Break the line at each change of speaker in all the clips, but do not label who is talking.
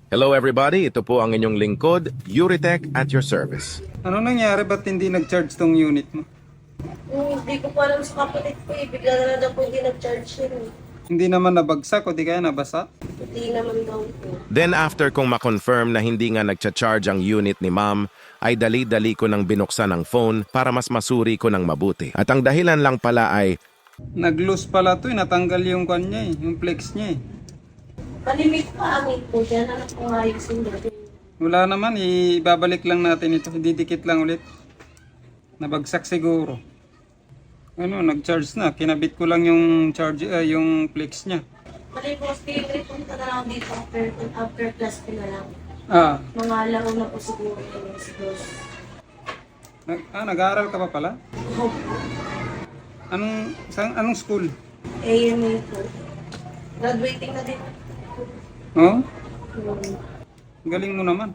Hello everybody, ito po ang inyong lingkod, Euritech at your service.
Ano nangyari? Ba't hindi nag-charge tong unit mo?
Hindi ko pa alam sa kapatid ko eh. Bigla na lang daw po hindi nag-charge yun eh.
Hindi naman nabagsak o di kaya nabasa?
Hindi naman daw po.
Then after kong makonfirm na hindi nga nagcha-charge ang unit ni ma'am, ay dali-dali ko nang binuksan ang phone para mas masuri ko ng mabuti. At ang dahilan lang pala ay
Nag-loose pala to eh. Natanggal yung kanya eh. Yung flex niya eh.
Palimit pa ang po dyan. Anak ko nga yung sundot.
Wala naman, ibabalik lang natin ito. Didikit lang ulit. Nabagsak siguro. Ano, nag-charge na. Kinabit ko lang yung charge, yung flex niya.
Mali po, stay punta na lang dito after class ko na lang.
Ah,
Mga laro na po siguro yun. Siguro.
nag-aaral ka pa pala? Anong school?
AMA po. Graduating na din.
Oh?
Hmm.
Galing mo naman.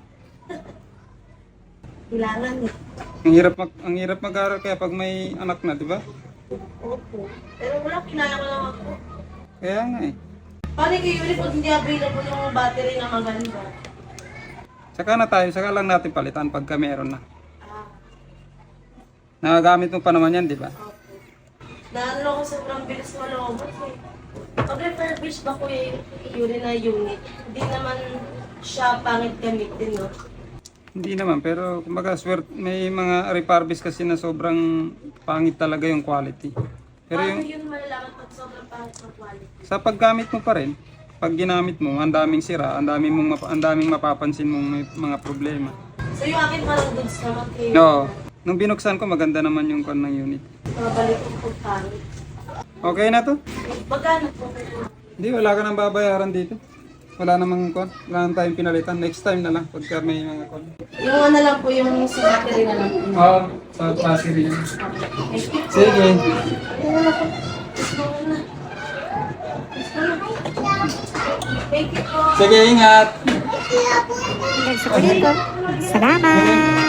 Kailangan eh.
Ang hirap mag-aaral kaya pag may anak na, di ba?
Opo. Pero wala, kinaya ko lang ako.
Kaya nga eh.
Paano kayo ulit pag hindi available yung battery na maganda?
Saka lang natin palitan pagka meron na.
Ah,
Nagagamit mo pa naman yan, di ba?
opo. Naano ako sobrang bilis malobot eh. Pag refurbish ba ko yung na unit, hindi naman siya pangit gamitin, no?
Hindi naman, pero kumbaga may mga refurbish kasi na sobrang pangit talaga yung quality. Pero
Paano
yung
yun malalaman pag sobrang pangit ng quality?
sa paggamit mo pa rin, pag ginamit mo, ang daming sira, ang daming mapapansin mong may mga problema.
So yung akin parang goods naman kayo.
No, nung binuksan ko maganda naman yung con ng unit.
Mabalik ko po pangit.
Okay na to?
Magkano po?
Hindi, wala ka nang babayaran dito. Wala namang con. Wala nang tayong pinalitan. Next time na lang pagka may mga con.
Yung ano lang po, yung sa battery na lang po.
Oo, sa battery yan.
Thank you po.
Sige.
Ayun na po. Let's go na. Let's go na. Thank you po.
Sige, ingat.
Salamat!